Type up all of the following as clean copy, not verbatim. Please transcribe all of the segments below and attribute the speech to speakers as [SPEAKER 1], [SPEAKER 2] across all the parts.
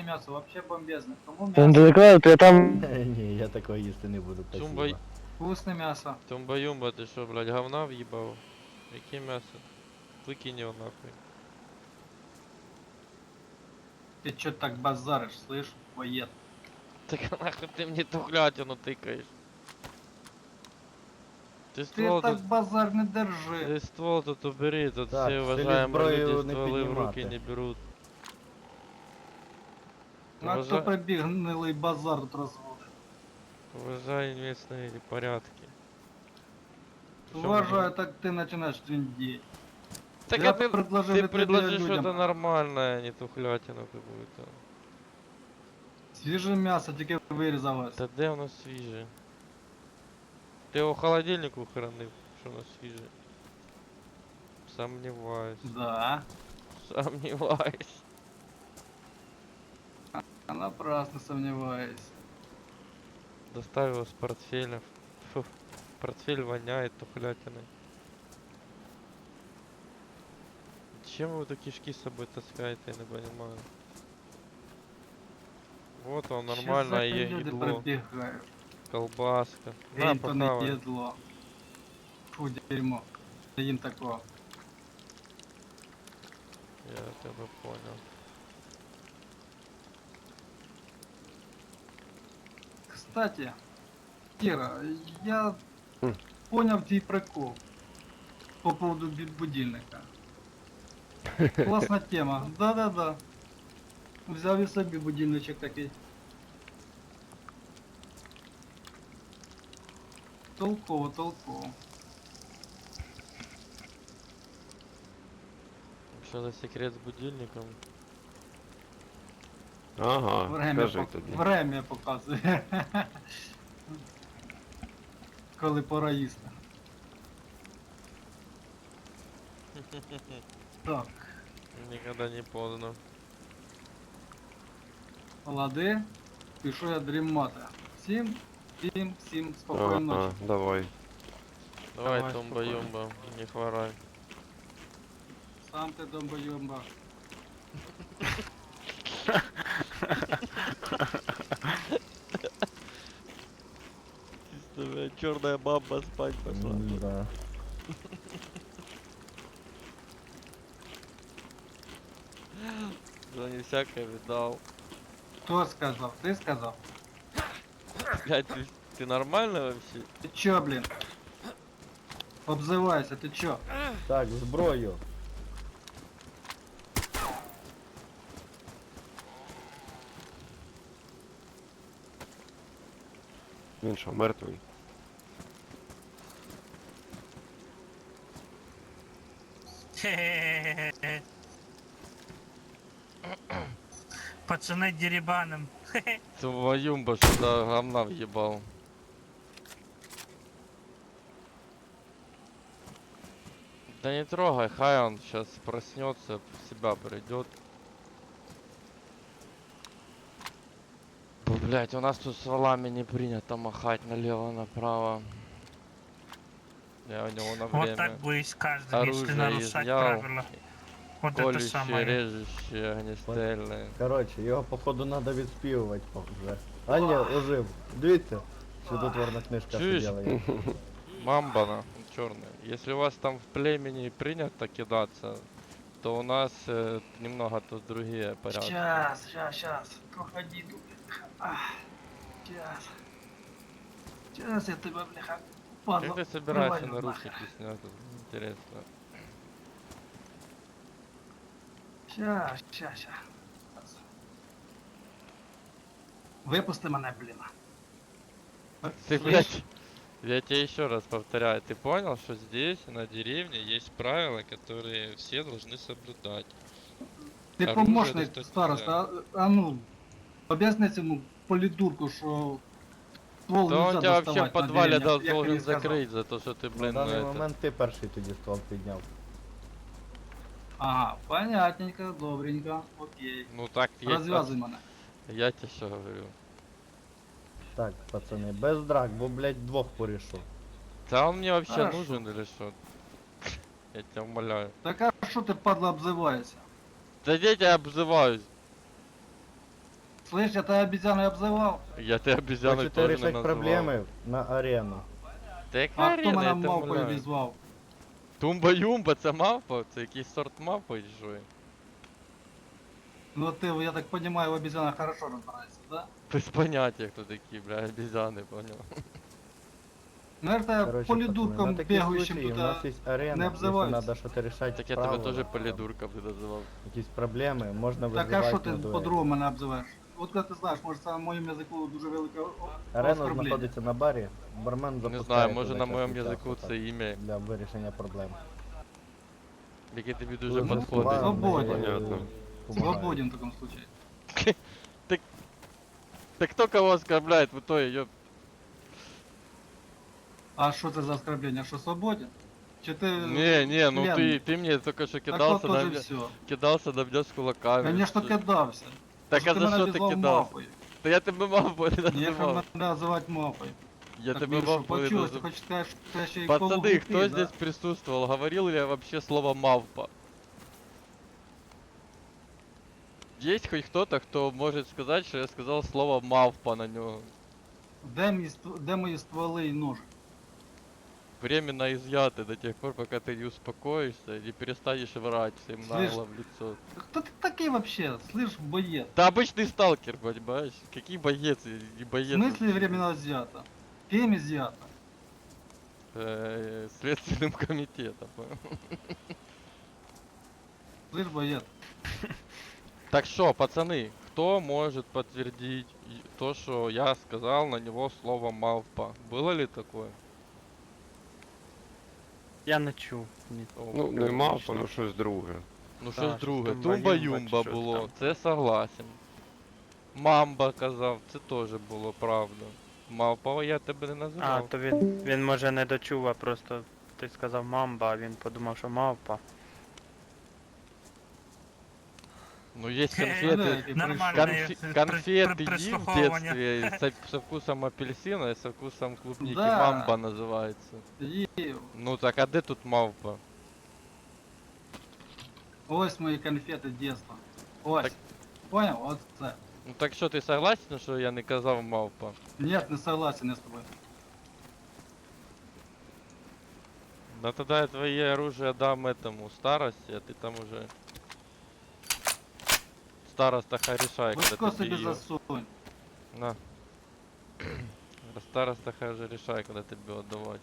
[SPEAKER 1] мясо вообще бомбезное. Кому
[SPEAKER 2] Там
[SPEAKER 1] мясо?
[SPEAKER 2] далеко, то я там...
[SPEAKER 3] Ні, я такого їсти не буду,
[SPEAKER 4] Тумба...
[SPEAKER 3] спасибо.
[SPEAKER 1] Вкусное мясо.
[SPEAKER 4] Тумба-юмба, ты что, блядь, говна въебал? Яке мясо? Выкинь его нахуй.
[SPEAKER 1] Ты чё так базаришь, слышь, воед?
[SPEAKER 4] Так нахуй ты мне тухлятину тыкаешь? Ты
[SPEAKER 1] Ты
[SPEAKER 4] ствол
[SPEAKER 1] так
[SPEAKER 4] тут...
[SPEAKER 1] базар не держи.
[SPEAKER 4] Ты ствол тут убери, тут
[SPEAKER 3] Так,
[SPEAKER 4] все
[SPEAKER 3] в селі
[SPEAKER 4] уважаемые
[SPEAKER 3] зброю
[SPEAKER 4] люди
[SPEAKER 3] не
[SPEAKER 4] стволы в руки
[SPEAKER 3] піднімати.
[SPEAKER 4] не берут.
[SPEAKER 1] А кто побег гнилый базар тут разводит?
[SPEAKER 4] Уважай местные порядки. Чё
[SPEAKER 1] Уважаю, так ты начинаешь трындеть.
[SPEAKER 4] Так
[SPEAKER 1] Я
[SPEAKER 4] а ты
[SPEAKER 1] предложил это
[SPEAKER 4] предложи
[SPEAKER 1] людям.
[SPEAKER 4] что-то нормальное, а не тухлятину какую-то.
[SPEAKER 1] Свежее мясо, тільки вирізалось.
[SPEAKER 4] Та де воно свіже? Ти його в холодильнику хранив, що воно свіже? Сомневаюсь.
[SPEAKER 1] Да.
[SPEAKER 4] Сомневаюсь.
[SPEAKER 1] А напрасно сомневаюсь.
[SPEAKER 4] Доставил его с портфеля. Фу, портфель воняет тухлятиной. Чем вы эту кишки с собой таскаете, я не понимаю. Вот он, нормальное
[SPEAKER 1] Щас люди
[SPEAKER 4] едло.
[SPEAKER 1] пробегают.
[SPEAKER 4] Колбаска. На,
[SPEAKER 1] Гейнтон не
[SPEAKER 4] похавай.
[SPEAKER 1] едло. Фу, дерьмо. Им такого.
[SPEAKER 4] Я тебя понял.
[SPEAKER 1] Кстати, Кира, я понял твой прикол по поводу будильника. Классная тема. Да-да-да. Взяв і собі будильничок такий. Толково, толково.
[SPEAKER 4] Что за секрет с будильником?
[SPEAKER 2] Ага,
[SPEAKER 1] Время,
[SPEAKER 2] скажи тоді.
[SPEAKER 1] время показує. Коли пора їсти. Так,
[SPEAKER 4] Никогда не поздно.
[SPEAKER 1] лади, пішов я дрімати. Всім спокійної ночі.
[SPEAKER 2] Давай.
[SPEAKER 4] Давай,
[SPEAKER 1] Давай,
[SPEAKER 4] тумба-юмба, не хворай.
[SPEAKER 1] Сам ти домбойомба.
[SPEAKER 4] Черная баба спать пошла.
[SPEAKER 3] Да.
[SPEAKER 4] Да не всякое видал.
[SPEAKER 1] Хто сказав? Ти сказав?
[SPEAKER 4] Блядь, ты нормально вообще?
[SPEAKER 1] Ти чо, блін? Обзивайся, ти чо?
[SPEAKER 3] Так, зброю.
[SPEAKER 2] Він що, мертвий?
[SPEAKER 5] Пацаны деребаном.
[SPEAKER 4] Тумба-юмба сюда говна въебал. Да не трогай, хай он сейчас проснется, в себя придет. Блять, у нас тут с валами не принято махать налево-направо. Я у него на
[SPEAKER 5] Вот
[SPEAKER 4] время
[SPEAKER 5] так будет с каждым, если
[SPEAKER 4] оружие
[SPEAKER 5] нарушать
[SPEAKER 4] изъял,
[SPEAKER 5] правила. Вот это
[SPEAKER 4] колющие,
[SPEAKER 5] самое.
[SPEAKER 4] режущие, огнестрельные.
[SPEAKER 3] Коротше, його походу треба відспівувати вже. А ні, ожив. Дивіться, чудотворна книжка
[SPEAKER 4] Чуєш?
[SPEAKER 3] сиділа.
[SPEAKER 4] Мамбана черная. Если у вас там в племени принято кидаться, то у нас немного тут другие порядки.
[SPEAKER 1] Щас, проходи тут. Щас я тебе, бляха, падла.
[SPEAKER 4] Как ты собираешься
[SPEAKER 1] привалю
[SPEAKER 4] наручники
[SPEAKER 1] нахер.
[SPEAKER 4] снять? Интересно.
[SPEAKER 1] Щас. Випусти мене, блін.
[SPEAKER 4] Ты, блядь, я тебе еще раз повторяю, ты понял, что здесь, на деревне, есть правила, которые все должны соблюдать?
[SPEAKER 1] Ти
[SPEAKER 4] Оружие
[SPEAKER 1] помощник
[SPEAKER 4] достать
[SPEAKER 1] староста, а ну, об'ясни цьому полідурку, що ствол
[SPEAKER 4] Да он
[SPEAKER 1] нельзя
[SPEAKER 4] тебя вообще в
[SPEAKER 1] доставати на
[SPEAKER 4] подвале
[SPEAKER 1] деревнях, як
[SPEAKER 4] должен
[SPEAKER 1] він сказав.
[SPEAKER 4] закрыть за то, что ты,
[SPEAKER 3] На
[SPEAKER 4] блин,
[SPEAKER 3] даний
[SPEAKER 4] это...
[SPEAKER 3] момент ти перший тоді ствол підняв.
[SPEAKER 1] Ага, понятненько, добренько, окей.
[SPEAKER 4] Ну так есть.
[SPEAKER 1] Розв'язуй мене.
[SPEAKER 4] Я тебе что говорю.
[SPEAKER 3] Так, пацани, без драк, бо, блядь, двох порішу.
[SPEAKER 4] Да он мне вообще
[SPEAKER 1] Хорошо.
[SPEAKER 4] нужен или что? Я тебя умоляю.
[SPEAKER 1] Так а що ти, падла, обзиваєшся?
[SPEAKER 4] Да я тебя обзываюсь.
[SPEAKER 1] Слышь, я тебя обезьяной обзывал.
[SPEAKER 4] Я тебе обезьяну
[SPEAKER 3] Хочете
[SPEAKER 4] тоже не
[SPEAKER 3] решать
[SPEAKER 4] называв.
[SPEAKER 3] проблеми на арену.
[SPEAKER 4] Так
[SPEAKER 1] А хто
[SPEAKER 4] арена,
[SPEAKER 1] мене
[SPEAKER 4] я
[SPEAKER 1] мавпою
[SPEAKER 4] умоляю.
[SPEAKER 1] обізвав?
[SPEAKER 4] Тумба-юмба, це мавпа? Це якийсь сорт мавпи чи що?
[SPEAKER 1] Ну ты, я так понимаю, в обезьянах хорошо разбираешься, да?
[SPEAKER 4] Без поняття, хто такі, бля, обезьяни, понял.
[SPEAKER 1] Ну я ж тебе
[SPEAKER 3] Короче,
[SPEAKER 1] полидурком
[SPEAKER 3] пацаны, на такие
[SPEAKER 1] бегающим
[SPEAKER 3] случаи у
[SPEAKER 1] туда.
[SPEAKER 3] нас есть арена,
[SPEAKER 1] не
[SPEAKER 3] если
[SPEAKER 1] обзываются.
[SPEAKER 3] надо что-то решать
[SPEAKER 4] Так я
[SPEAKER 3] правила,
[SPEAKER 4] тебе теж
[SPEAKER 3] там,
[SPEAKER 4] полідурка би називав.
[SPEAKER 3] якісь проблеми, можна
[SPEAKER 1] Так а
[SPEAKER 3] визивати
[SPEAKER 1] що
[SPEAKER 3] на
[SPEAKER 1] ти
[SPEAKER 3] дуель.
[SPEAKER 1] по-другому мене обзиваєш? От коли ти знаєш, може це на моєму язику дуже велике
[SPEAKER 3] Арена
[SPEAKER 1] оскорблення.
[SPEAKER 3] знаходиться на барі, бармен
[SPEAKER 4] Не
[SPEAKER 3] запускає
[SPEAKER 4] знаю, може
[SPEAKER 3] туди
[SPEAKER 4] на
[SPEAKER 3] час
[SPEAKER 4] моєму
[SPEAKER 3] від часу,
[SPEAKER 4] язику
[SPEAKER 3] так,
[SPEAKER 4] це ім'я,
[SPEAKER 3] для вирішення проблем.
[SPEAKER 4] яке тобі дуже
[SPEAKER 3] Дуже
[SPEAKER 4] підходить.
[SPEAKER 3] складно,
[SPEAKER 1] Свободен.
[SPEAKER 2] Понятно.
[SPEAKER 3] помагає.
[SPEAKER 1] Свободен в таком случае.
[SPEAKER 4] Так кто кого оскорбляет в итоге, ёп?
[SPEAKER 1] А що це за оскорблення? Що свободен? Чи ти
[SPEAKER 4] Не, ну
[SPEAKER 1] член?
[SPEAKER 4] ты мне только что
[SPEAKER 1] Так
[SPEAKER 4] кидался
[SPEAKER 1] от
[SPEAKER 4] на
[SPEAKER 1] тоже
[SPEAKER 4] меня,
[SPEAKER 1] все.
[SPEAKER 4] кидался на меня с кулаками.
[SPEAKER 1] Конечно,
[SPEAKER 4] Что-
[SPEAKER 1] кидався.
[SPEAKER 4] Так а
[SPEAKER 1] ти
[SPEAKER 4] за
[SPEAKER 1] мене
[SPEAKER 4] что ты
[SPEAKER 1] обізвав
[SPEAKER 4] кидался?
[SPEAKER 1] мавпою.
[SPEAKER 4] Да я тебе мавпой не
[SPEAKER 1] Ніяк
[SPEAKER 4] называл.
[SPEAKER 1] мене називати мавпою.
[SPEAKER 4] Я
[SPEAKER 1] Так
[SPEAKER 4] тебе
[SPEAKER 1] ви що,
[SPEAKER 4] мавпой не
[SPEAKER 1] почулось, ти
[SPEAKER 4] называл.
[SPEAKER 1] хочеш сказати, що я ще й
[SPEAKER 4] Пацаны,
[SPEAKER 1] полуглупий,
[SPEAKER 4] кто
[SPEAKER 1] да?
[SPEAKER 4] здесь присутствовал? Говорил ли я вообще слово мавпа? Есть хоть кто-то, кто может сказать, что я сказал слово мавпа на него?
[SPEAKER 1] Де мої стволи і ножи?
[SPEAKER 4] Временно изъяты до тех пор, пока ты не успокоишься и не перестанешь врать всем
[SPEAKER 1] Слышь,
[SPEAKER 4] нагло в лицо.
[SPEAKER 1] Хто ти такий вообще? Слышь, боец.
[SPEAKER 4] Да обычный сталкер, понимаешь? Какие боец и не
[SPEAKER 1] В
[SPEAKER 4] боец?
[SPEAKER 1] смысле временно изъято? Кем изъято?
[SPEAKER 4] Следственным комитетом. понял?
[SPEAKER 1] Слышь, боец.
[SPEAKER 4] Так что, пацаны, кто может подтвердить то, что я сказал на него слово мавпа? Было ли такое?
[SPEAKER 6] Я не чув. Ні.
[SPEAKER 4] О,
[SPEAKER 2] Ну, не мавпа,
[SPEAKER 6] точно.
[SPEAKER 2] ну щось друге.
[SPEAKER 4] Ну
[SPEAKER 6] Да,
[SPEAKER 4] щось
[SPEAKER 6] щось
[SPEAKER 4] друге.
[SPEAKER 6] тумба-юмба чи
[SPEAKER 4] Тумба-юмба
[SPEAKER 6] щось
[SPEAKER 4] було,
[SPEAKER 6] там.
[SPEAKER 4] це согласен. Мамба казав, це теж було правда. Мавпа я тебе не
[SPEAKER 6] А,
[SPEAKER 4] називав.
[SPEAKER 6] то він може не дочув, а просто ти сказав мамба, а він подумав, що мавпа.
[SPEAKER 4] Ну есть
[SPEAKER 1] Да,
[SPEAKER 4] конфеты.
[SPEAKER 1] и
[SPEAKER 5] Нормально.
[SPEAKER 4] Конфеты
[SPEAKER 5] при
[SPEAKER 4] ем в
[SPEAKER 5] прослуховуванні.
[SPEAKER 4] детстве со вкусом апельсина и со вкусом клубники.
[SPEAKER 1] Да.
[SPEAKER 4] Мамба называется.
[SPEAKER 1] Їв.
[SPEAKER 4] Ну так а де тут мавпа?
[SPEAKER 1] Ось мої конфети дійства. Ось.
[SPEAKER 4] Так-
[SPEAKER 1] Понял? От це.
[SPEAKER 4] Ну так що, ти согласен, що я не казав мавпа?
[SPEAKER 1] Нет, не согласен я з тобою.
[SPEAKER 4] Да тогда я твои оружие дам этому старости, а ты там уже... Староста хай решай, когда
[SPEAKER 1] Легко
[SPEAKER 4] ты
[SPEAKER 1] собі
[SPEAKER 4] её...
[SPEAKER 1] засунь.
[SPEAKER 4] На. Староста хай уже решай, когда тебе отдавать.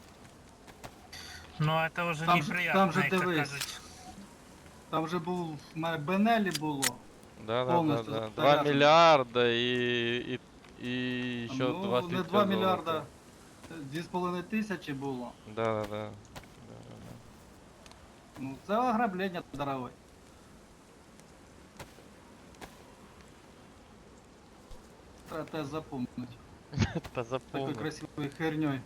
[SPEAKER 5] Ну это уже
[SPEAKER 1] Там же-
[SPEAKER 5] неприятно,
[SPEAKER 1] там же
[SPEAKER 5] як то
[SPEAKER 1] дивись.
[SPEAKER 5] кажуть.
[SPEAKER 1] Там же був в мене Бенелі було.
[SPEAKER 4] Да, да, да,
[SPEAKER 1] Полностью
[SPEAKER 4] да. 2
[SPEAKER 1] заряжен.
[SPEAKER 4] миллиарда и еще
[SPEAKER 1] Ну,
[SPEAKER 4] 20
[SPEAKER 1] не 2 мільярда. 2,5 тисячі було.
[SPEAKER 4] Да, да, да.
[SPEAKER 1] Ну, це ограблення, дорогой. Треба тебе запомнити.
[SPEAKER 4] Да
[SPEAKER 1] Такой
[SPEAKER 4] запомни.
[SPEAKER 1] красивой херней.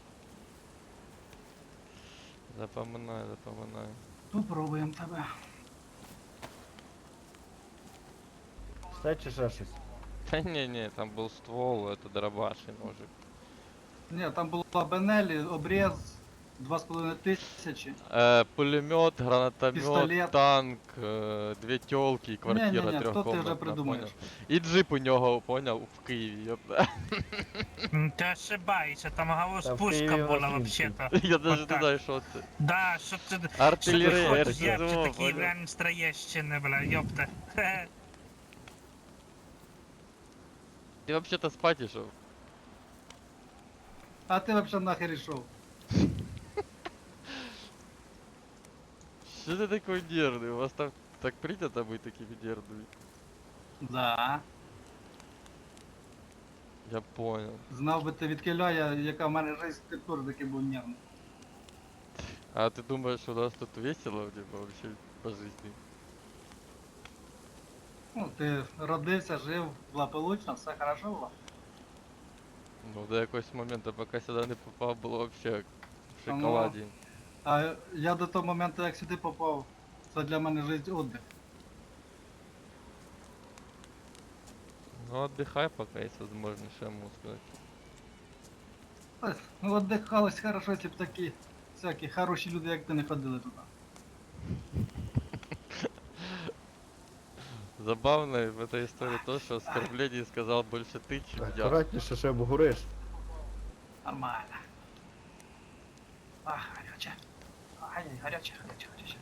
[SPEAKER 4] Запоминай, запоминай.
[SPEAKER 1] Попробуємо тебе.
[SPEAKER 3] Все чи ще щось?
[SPEAKER 4] Да не, там был ствол, это дробаш и ножик.
[SPEAKER 1] Ні, там була Бенелі, обрез 2,5 тисячі.
[SPEAKER 4] Пулемет, гранатомет,
[SPEAKER 1] Пистолет.
[SPEAKER 4] танк, две телки, квартира
[SPEAKER 1] Не-не-не, то ти вже
[SPEAKER 4] трехкомнатная,
[SPEAKER 1] придумаєш.
[SPEAKER 4] понял? И джип у него, понял, в Киеве, ёпта.
[SPEAKER 5] Ти ошибаєшся, там галус
[SPEAKER 3] Та в
[SPEAKER 5] пушка
[SPEAKER 3] Києві
[SPEAKER 5] була
[SPEAKER 3] вас
[SPEAKER 5] вообще-то.
[SPEAKER 4] Я даже не
[SPEAKER 5] Вот так.
[SPEAKER 4] знаю, что это.
[SPEAKER 5] Да, що ти...
[SPEAKER 4] Артиллерия,
[SPEAKER 5] Що ти
[SPEAKER 4] я
[SPEAKER 5] хочеш,
[SPEAKER 4] ж
[SPEAKER 5] як
[SPEAKER 4] не
[SPEAKER 5] ти
[SPEAKER 4] знал,
[SPEAKER 5] такі
[SPEAKER 4] понял?
[SPEAKER 5] реально Троєщини, бля, ёпта. Хе.
[SPEAKER 4] Ты вообще-то спать шел.
[SPEAKER 1] А ти взагалі нахер ішов?
[SPEAKER 4] Что ты такой нервный? У вас там так принято быть такими нервными?
[SPEAKER 1] Да.
[SPEAKER 4] Я понял.
[SPEAKER 1] Знав би ти відкиляє, яка в мене жизнь, ти б теж такий був нервний.
[SPEAKER 4] А ты думаешь, у нас тут весело типа, вообще по жизни?
[SPEAKER 1] Ну, ти родився, жив, благополучно, все хорошо було.
[SPEAKER 4] Ну, до якогось моменту, поки сюди не попав, було вообще в
[SPEAKER 1] Ну.
[SPEAKER 4] шоколаді.
[SPEAKER 1] А я до того моменту, як сюди попав, це для мене життя отдих.
[SPEAKER 4] Ну, отдыхай, пока есть возможность, что я могу сказать.
[SPEAKER 1] Ну, отдихалось хорошо, якщо б такі всякі хороші люди, як ти, не ходили туди.
[SPEAKER 4] Забавно в этой истории то, что оскорбление сказал больше ты, чем я.
[SPEAKER 3] Акуратніше, ще обгориш.
[SPEAKER 1] Нормально. Ах, горяче. Ай, горяче, горяче, горяче.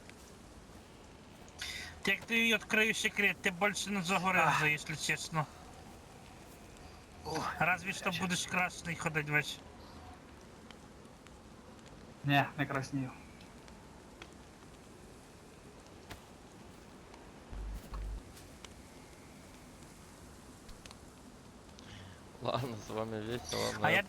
[SPEAKER 5] Як ти її відкрию секрет, ти більше не загоришся, якщо чесно. Разве що будеш красний ходить весь.
[SPEAKER 1] Не краснію.
[SPEAKER 4] Ладно, с вами весело, но
[SPEAKER 5] А я